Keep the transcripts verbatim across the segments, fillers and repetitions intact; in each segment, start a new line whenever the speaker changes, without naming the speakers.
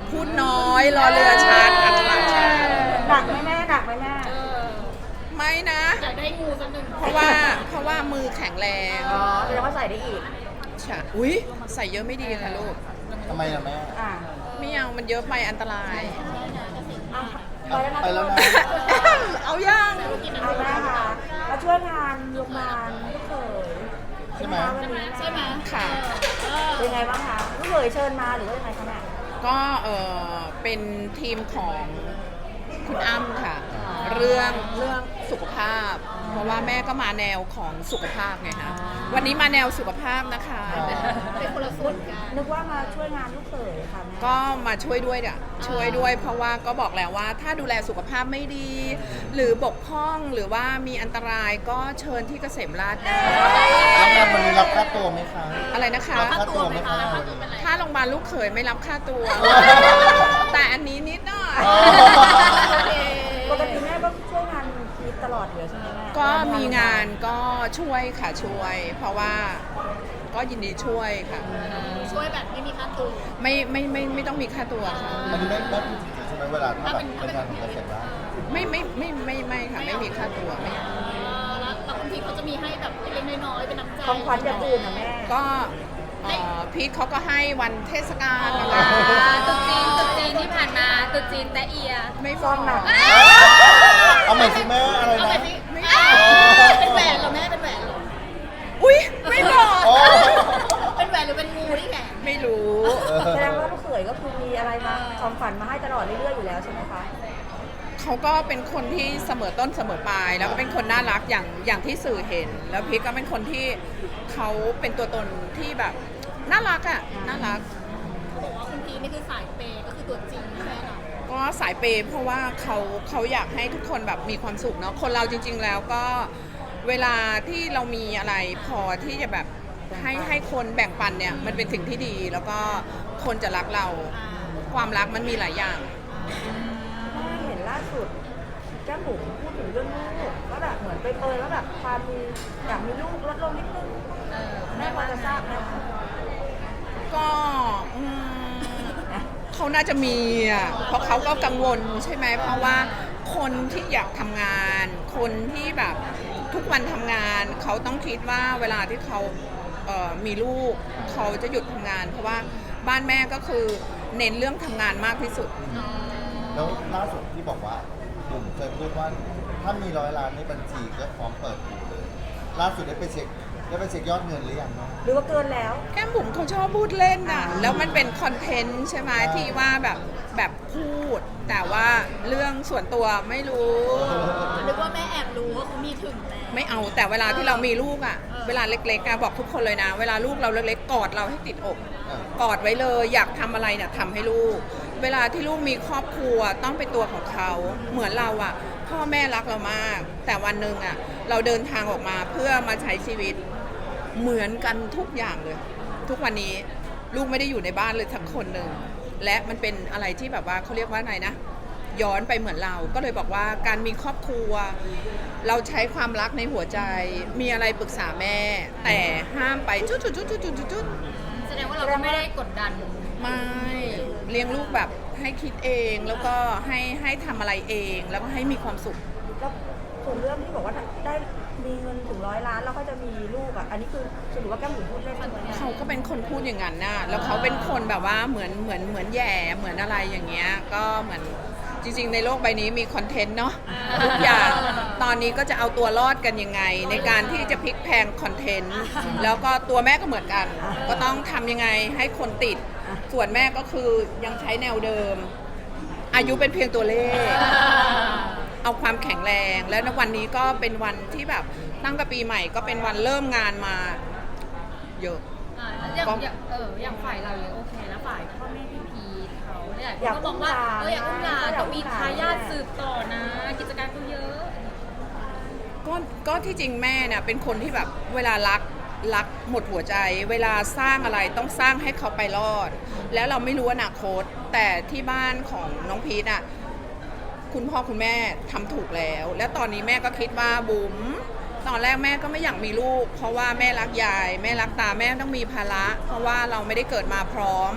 พูดน้อยรอเรือชัดอัตลักษณ์ชัด
หนักไหมแม่หนักไหมแม่
ไม่นะ
อยากได้งูสักหนึ่ง
เพราะว่าเพราะว่ามือแข็งแรง
อ๋อแสดงว่าใส่ได้อีก
ใช่อุ้ยใส่เยอะไม่ดีค่ะลูก
ทำไมล่ะแม่
อ่า
ไม่เอามันเยอะไปอันตราย
เอาไปแล้วนะ
ไปแล้วนะ
เอาย่าง
เอาแม่ค่ะมาช่วยงานโรงพยาบาลลูกเขย
ใช่ไหม
วันนี้
ใช่ไหม
ค่ะ
เป็นไงบ้างคะลูกเขยเชิญมาหรือว่ายังไงคะแม่
ก็เออเป็นทีมของคุณอ้ำค่ะ เรื่องเรื่องสุขภาพ เพราะว่าแม่ก็มาแนวของสุขภาพไงคะวันนี้มาแนวสุขภาพนะคะ
เป็นคนละส่วนกัน
นึกว่ามาช่วยงานลูกเขยค่ะแม่
ก็มาช่วยด้วยอ่ะช่วยด้วย เพราะว่าก็บอกแล้วว่าถ้าดูแลสุขภาพไม่ดี หรือบกพร่องหรือว่ามีอันตรายก็เชิญที่เกษมราษฎร์ได้
แล้วงานวันนี้รับค่าตัวไหมคะ
อะไรนะคะ
รับค่าตัวไหมคะ
ถ้าโรงพยาบาลลูกเขยไม่รับค่าตัว แต่อันนี้นิดหน่อย
ปกติแม่ก็ช่วยงานพีทตลอดอยู่แล้วใช่ไหมแม่
ก็มีงานก็ช่วยค่ะช่วย เพราะว่าก็ยินดีช่วยค่ะ
ช่วยแบบไม่มีค่าตัว
ไม่ไม่ไม่ไม่ต้องมีค่าตัวค่ะ
มันไม่ไม่พูดจริงๆใช่ไหมเวลาถ้าแบบเป็นงานของเกษตรว่า
ไม่ไม่ไม่ไม่ไม่ค่ะไม่มีค่าตัวไม่
แล้วแล้วบางทีเขาจะมีให้แบบเล็กๆน้อยๆเป็นน้ำใจ
ของขวัญอย่างอื่นนะแม่
ก็เอ่อพีทเขาก็ให้วันเทศกาลอะไร
ตุ๊กจีนตุ๊กจีนที่ผ่านมาตุ๊กจีนแต่เอีย
ไม่บ
ซ
อ
อก งหนัก
เอาใหม่สิแม่อะไร
เอา
นะ
ไปสิเป็นแหวนเหรอแม่เป็นแหวนเหรอ
อุ้ยไม่บอก
โอ้
เป็นแหวนหรือเป็นงูที่แขน
ไม่รู้
แสดงว่าลูกเขยก็คือมีอะไรมาของขวัญมาให้ตลอดเรื่อยๆอยู่แล้วใช่ไหมคะ
เขาก็เป็นคนที่เสมอต้นเสมอปลาย แล้วก็เป็นคนน่ารักอย่างอย่างที่สื่อเห็น แล้วพีทก็เป็นคนที่เขาเป็นตัวตนที่แบบน่ารักอ่ะน่ารัก
บอกว่าคุณพีนี่คือสายเปย์ก็คือตัวจริงใช่ไหมคะ
ก็สายเปย์เพราะว่าเขาเขาอยากให้ทุกคนแบบมีความสุขเนาะคนเราจริง ๆ แล้วก็เวลาที่เรามีอะไรพอที่จะแบบให้ให้คนแบ่งปันเนี่ยมันเป็นสิ่งที่ดี แล้วก็คนจะรักเราความรักมันมีหลายอย่าง
แม่เห็นล่าสุดแก้มบุ๋มพูดถึงเรื่องลูกว่าแบบเหมือนไปเปยว่าแบบความมีอยากมีลูกลดลงนิดนึงแม่พอจะทราบไหม
ก็อืมเขาน่าจะมีอ่ะเพราะเขาก็กังวลใช่ไหมเพราะว่าคนที่อยากทำงาน คนที่แบบทุกวันทำงาน เขาต้องคิดว่าเวลาที่เขาเอ่อมีลูก เขาจะหยุดทำงาน เพราะว่าบ้านแม่ก็คือเน้นเรื่องทำงานมากที่สุด
แล้วล่าสุดที่บอกว่าบุ๋มเคยพูดว่าถ้ามีร้อยล้านในบัญชีก็พร้อมเปิดดูเลย ล่าสุดได้ไปเช็คได้ไปเช็คยอดเงินหรือยังเนาะ
หรือว่าเกินแล้ว
แก้มบุ๋มเขาชอบพูดเล่นน่ะ แล้วมันเป็นคอนเทนต์ใช่ไหมที่ว่าแบบแบบพูด แต่ว่าเรื่องส่วนตัวไม่รู้
นึกว่าแม่แอบรู้ว่าเขามีถึงแล้ว
ไม่เอาแต่เวลาที่เรามีลูกอ่ะ
เออ
เวลาเล็กๆอะบอกทุกคนเลยนะ เวลาลูกเราเล็กๆกอดเราให้ติดอก
อ่ะ
กอดไว้เลยอยากทำอะไรเนี่ยทำให้ลูก เวลาที่ลูกมีครอบครัวต้องเป็นตัวของเขาเหมือนเราอ่ะ พ่อแม่รักเรามาก แต่วันหนึ่งอ่ะเราเดินทางออกมาเพื่อมาใช้ชีวิตเหมือนกันทุกอย่างเลย ทุกวันนี้ลูกไม่ได้อยู่ในบ้านเลยสักคนหนึ่งและมันเป็นอะไรที่แบบว่าเขาเรียกว่าไงนะ ย้อนไปเหมือนเรา ก็เลยบอกว่าการมีครอบครัว เราใช้ความรักในหัวใจ มีอะไรปรึกษาแม่ แต่ห้ามไปจุดจุดจุดจุดจุดจุด
แสดงว่าเราก็ไม่ได้กดดัน
ไม่เลี้ยงลูกแบบให้คิดเองแล้วก็ให้ให้ทำอะไรเองแล้วก็ให้มีความสุข
แล้วส่วนเรื่องที่บอกว่าได้มีเงินถึงร้อยล้านแล้วก็จะมีลูกอ่ะ อันนี้คือสรุปว่าแก้มบุ๋มพูดเล่นใช่ไหมเนี่ย
เขาก็เป็นคนพูดอย่างนั้นนะแล้วเขาเป็นคนแบบว่าเหมือนเหมือนเหมือนแย่เหมือนอะไรอย่างเงี้ยก็เหมือนจริงๆในโลกใบนี้มีคอนเทนต์เนาะทุกอย่างตอนนี้ก็จะเอาตัวรอดกันยังไง ในการที่จะพลิกแพลงคอนเทนต์แล้วก็ตัวแม่ก็เหมือนกัน ก็ต้องทำยังไงให้คนติด ส่วนแม่ก็คือยังใช้แนวเดิม อายุเป็นเพียงตัวเลข เอาความแข็งแรง แล้วในวันนี้ก็เป็นวันที่แบบตั้งแต่ปีใหม่ก็เป็นวันเริ่มงานมาเยอะ
อ่าอย่างอย่างเอออย่างฝ่ายเรายังโอเคนะฝ่ายพ่อแม่พี่พีทเขาเนี่ย
อยาก
เขาบอกว่า
อุ้มหลาน
เอออยากอุ้มหลาน
อยาก
ต้องมี
อุ้มหลาน
ทายาทสืบต่อนะ กิจการเขาเยอะ
ก็ก็ที่จริงแม่เนี่ยเป็นคนที่แบบเวลารักรักหมดหัวใจ เวลาสร้างอะไรต้องสร้างให้เขาไปรอด แล้วเราไม่รู้อนาคต แต่ที่บ้านของน้องพีทอ่ะคุณพ่อคุณแม่ทำถูกแล้ว และตอนนี้แม่ก็คิดว่าบุ๋มตอนแรกแม่ก็ไม่อยากมีลูก เพราะว่าแม่รักยาย แม่รักตาแม่ต้องมีภาระ เพราะว่าเราไม่ได้เกิดมาพร้อม พ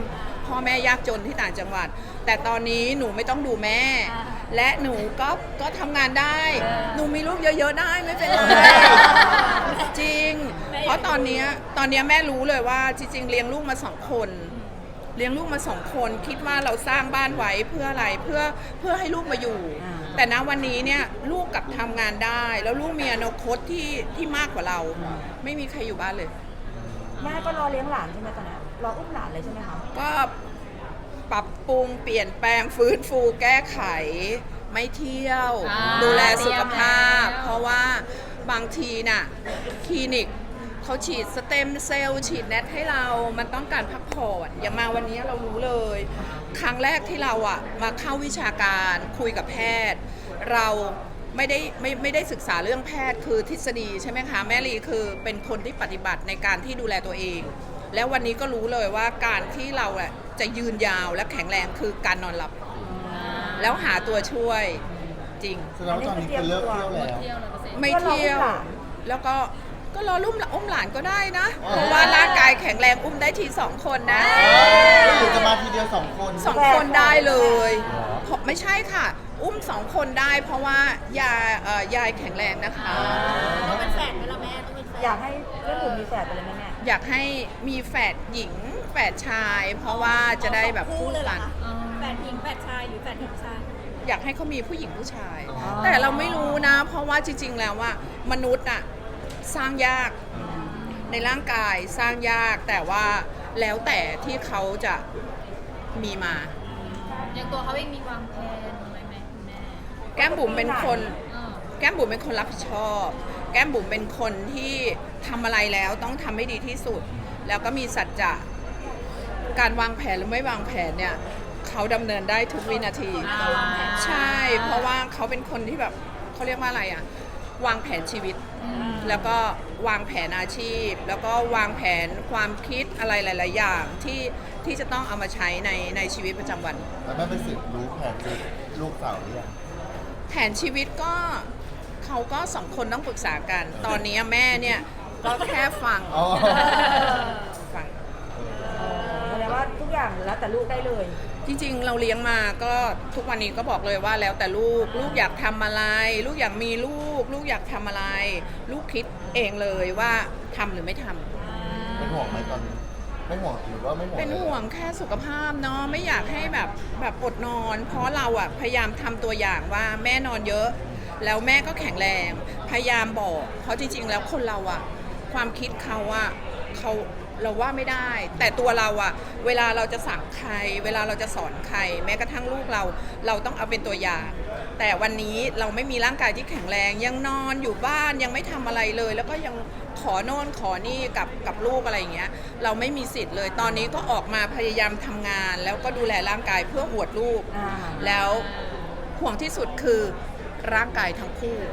พ่อแม่ยากจนที่ต่างจังหวัด แต่ตอนนี้หนูไม่ต้องดูแม่ และหนูก็ก็ทำงานได้ หนูมีลูกเยอะๆได้ไม่เป็นไรจริง เพราะตอนเนี้ยตอนเนี้ยแม่รู้เลยว่าจริงๆเลี้ยงลูกมาสองคน เลี้ยงลูกมาสองคนคิดว่าเราสร้างบ้านไว้เพื่ออะไรเพื่อเพื่อให้ลูกมาอยู่ แต่ณวันนี้เนี่ยลูกกลับทำงานได้ แล้วลูกมีอนาคตที่ที่มากกว่าเรา ไม่มีใครอยู่บ้านเลย
แม่ก็รอเลี้ยงหลานใช่ไหมตอนนี้รออุ้มหลานเลยใช่ไหมคะ
ก็ปรับปรุงเปลี่ยนแปลงฟื้นฟูแก้ไขไม่เที่ยว
อ่า
ดูแลสุขภาพ
เตรียมแล้ว
เพราะว่าบางทีน่ะคลินิกเขาฉีดสเต็มเซลล์ฉีดแนทให้เรา มันต้องการพักผ่อนอย่างมาวันนี้เรารู้เลย ครั้งแรกที่เราอะมาเข้าวิชาการคุยกับแพทย์ เราไม่ได้ไม่ไม่ได้ศึกษาเรื่องแพทย์คือทฤษฎีใช่ไหมคะแม่ลีคือเป็นคนที่ปฏิบัติในการที่ดูแลตัวเอง แล้ววันนี้ก็รู้เลยว่าการที่เราอะจะยืนยาวและแข็งแรงคือการนอนหลับ แล้วหาตัวช่วยจริง
แสดงว่าตอนนี้คือเลิกเที่ยวแล้ว
เที่ยวเลยเปอร์เซ็นต์
ไม่เที่ยว แล้วก็ก็รอลุ่มอุ้มหลานก็ได้นะ
อ๋อ
เพราะว่าร่างกายแข็งแรงอุ้มได้ทีสองคนนะ
หรือจะมาทีเดียวสองคน
สองคนได้เลย
เหรอ
เพราะไม่ใช่ค่ะ อุ้มสองคนได้ เพราะว่ายายเอ่อยายแข็งแรงนะคะ
ต้องเป็นแฝดไหมล่ะแม่ต้องเป็นแฝด
อยากให้เรื่องหนูมีแฝดไปเลยไหมแม่
อยากให้มีแฝดหญิงแฝดชาย เพราะว่าจะได้แบบ
คู่
คู่
เลยเหร
กั
อน คะ
อ๋อ
แฝดหญิงแฝดชายหรือแฝดหญิงชาย
อยากให้เขามีผู้หญิงผู้ชาย
อ๋อ
แต่เราไม่รู้นะ เพราะว่าจริง ๆ แล้วว่ามนุษย์อะสร้างยากในร่างกายสร้างยาก แต่ว่าแล้วแต่ที่เขาจะมีมา
อย่างตัวเขาเองมีวางแผนไหมแม่คุณแม่
แก้มบุ๋มเป็นคน
เออ
แก้มบุ๋มเป็นคนรับผิดชอบ แก้มบุ๋มเป็นคนที่ทำอะไรแล้วต้องทำให้ดีที่สุด แล้วก็มีสัจจะการวางแผนหรือไม่วางแผนเนี่ยเขาดำเนินได้ทุกวินาที ใช่ เพราะว่าเขาเป็นคนที่แบบเขาเรียกว่าอะไรอะวางแผนชีวิต แล้วก็วางแผนอาชีพ แล้วก็วางแผนความคิดอะไรหลาย ๆ อย่างที่ที่จะต้องเอามาใช้ในในชีวิตประจำวัน
แล้วแม่ไปสืบรู้แผนชีวิตลูกสาวหรือยัง
แผนชีวิตก็เขาก็สองคนต้องปรึกษากัน ตอนนี้แม่เนี่ยก็แค่ฟัง
อ๋อ
ฟัง
แสดงว่าทุกอย่างแล้วแต่ลูกได้เลย
จริง ๆ เราเลี้ยงมาก็ทุกวันนี้ก็บอกเลยว่าแล้วแต่ลูกลูกอยากทำอะไร ลูกอยากมีลูก ลูกอยากทำอะไร ลูกคิดเองเลยว่าทำหรือไม่ทำ
เป็นห่วงไหมตอนนี้ไม่ห่วงหรือว่าไม่ห่วง
เป็นห่วงแค่สุขภาพเนาะไม่อยากให้แบบแบบอดนอน เพราะเราอะพยายามทำตัวอย่างว่าแม่นอนเยอะ แล้วแม่ก็แข็งแรง พยายามบอก เพราะจริง ๆ แล้วคนเราอะความคิดเขาอะเขาเราว่าไม่ได้ แต่ตัวเราอะเวลาเราจะสั่งใคร เวลาเราจะสอนใคร แม้กระทั่งลูกเรา เราต้องเอาเป็นตัวอย่าง แต่วันนี้เราไม่มีร่างกายที่แข็งแรง ยังนอนอยู่บ้านยังไม่ทำอะไรเลย แล้วก็ยังขอโน่นขอนี่กับกับลูกอะไรอย่างเงี้ย เราไม่มีสิทธิ์เลย ตอนนี้ก็ออกมาพยายามทำงาน แล้วก็ดูแลร่างกายเพื่ออวดลูก
อ่า
แล้วห่วงที่สุดคือร่างกายทั้งคู่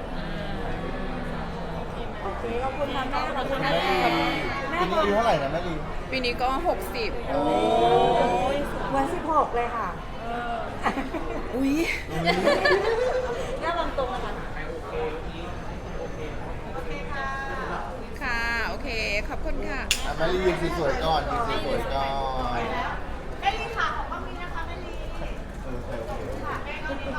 โอเคขอบคุณค่ะแม่ขอบคุณนะ
แม่
แม่
ลี
แม่
ปีนี้อายุเท่าไหร่นะแม่ลี
ปีนี้ก็หกสิบ
โอ้
วันสิบหกเลยค่ะ
อุ้ย
แม่วางตรงนะคะ
ค่ะ โอเค ขอบคุณค่ะ
อ่ะแม่ลียืนสวยๆก่อนยืนสวยๆก่อน
แม่ลีค่ะของกล้องนี้นะคะแม่ลี
เออโอเคโอเค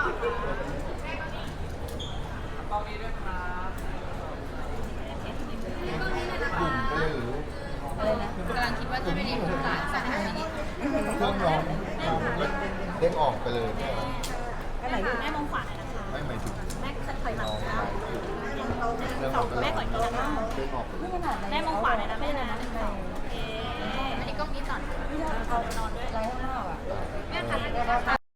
บุ๋มไปเลยหรือ
อะไรนะ
กำลังคิดว่าจะไม่ได้พูดหลานสักทีนี้
เครื่องร้องเด้งออกไปเลยแม่
อันไหนลูก
แม่มองขวาหน่อยนะคะ
ไม่หมายถึง
แม่ถอยหลั
น้
ง
อง
นะคะ
เรื่อง
ส
อ
อ
อง กไป
แม่
แล้ว
ก่อนนี้นะคะ
เด้งออกไปเล
นี่
ย
ขนาดไหน
แม่มองขวาหน่อยนะแม่นะโอเค
อันนี้กล้องนี้ก่อน
เอานอนด้วยไรข้างนอกอ่ะ
แม่ค่ะ